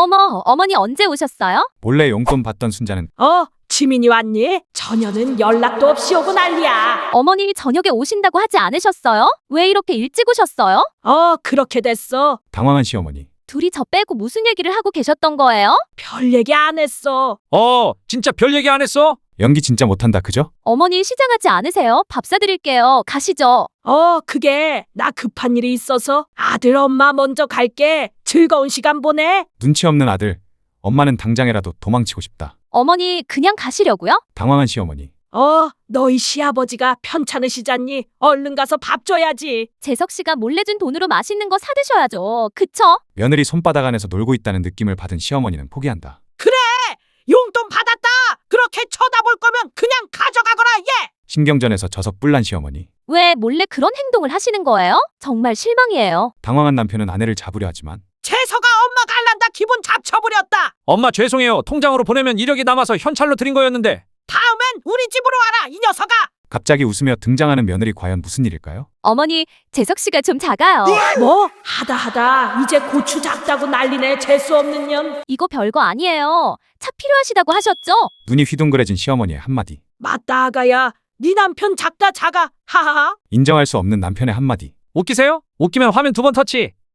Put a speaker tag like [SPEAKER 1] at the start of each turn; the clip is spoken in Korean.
[SPEAKER 1] 어머, 어머니 언제 오셨어요?
[SPEAKER 2] 몰래 용돈 받던 순자는
[SPEAKER 3] 지민이 왔니? 저녀는 연락도 없이 오고 난리야.
[SPEAKER 1] 어머니 저녁에 오신다고 하지 않으셨어요? 왜 이렇게 일찍 오셨어요?
[SPEAKER 3] 그렇게 됐어.
[SPEAKER 2] 당황한 시어머니.
[SPEAKER 1] 둘이 저 빼고 무슨 얘기를 하고 계셨던 거예요?
[SPEAKER 3] 별 얘기 안 했어.
[SPEAKER 4] 진짜 별 얘기 안 했어?
[SPEAKER 2] 연기 진짜 못한다 그죠?
[SPEAKER 1] 어머니 시장하지 않으세요? 밥 사드릴게요. 가시죠.
[SPEAKER 3] 그게 나 급한 일이 있어서 아들 엄마 먼저 갈게. 즐거운 시간 보내.
[SPEAKER 2] 눈치 없는 아들. 엄마는 당장이라도 도망치고 싶다.
[SPEAKER 1] 어머니 그냥 가시려고요?
[SPEAKER 2] 당황한 시어머니.
[SPEAKER 3] 너희 시아버지가 편찮으시잖니. 얼른 가서 밥 줘야지.
[SPEAKER 1] 재석 씨가 몰래 준 돈으로 맛있는 거 사드셔야죠. 그쵸?
[SPEAKER 2] 며느리 손바닥 안에서 놀고 있다는 느낌을 받은 시어머니는 포기한다.
[SPEAKER 3] 용돈 받았다. 그렇게 쳐다볼 거면 그냥 가져가거라 얘.
[SPEAKER 2] 신경전에서 져서 뿔난 시어머니.
[SPEAKER 1] 왜 몰래 그런 행동을 하시는 거예요? 정말 실망이에요.
[SPEAKER 2] 당황한 남편은 아내를 잡으려 하지만
[SPEAKER 3] 재서가 엄마 갈란다 기분 잡쳐버렸다.
[SPEAKER 4] 엄마 죄송해요. 통장으로 보내면 이력이 남아서 현찰로 드린 거였는데.
[SPEAKER 3] 다음엔 우리 집으로 와라 이 녀석아.
[SPEAKER 2] 갑자기 웃으며 등장하는 며느리 과연 무슨 일일까요?
[SPEAKER 1] 어머니, 재석 씨가 좀 작아요.
[SPEAKER 3] 뭐? 하다 이제 고추 작다고 난리네. 재수 없는 년.
[SPEAKER 1] 이거 별거 아니에요. 차 필요하시다고 하셨죠?
[SPEAKER 2] 눈이 휘둥그레진 시어머니의 한마디.
[SPEAKER 3] 맞다 아가야. 네 남편 작다 작아. 하하하.
[SPEAKER 2] 인정할 수 없는 남편의 한마디.
[SPEAKER 4] 웃기세요? 웃기면 화면 2번 터치.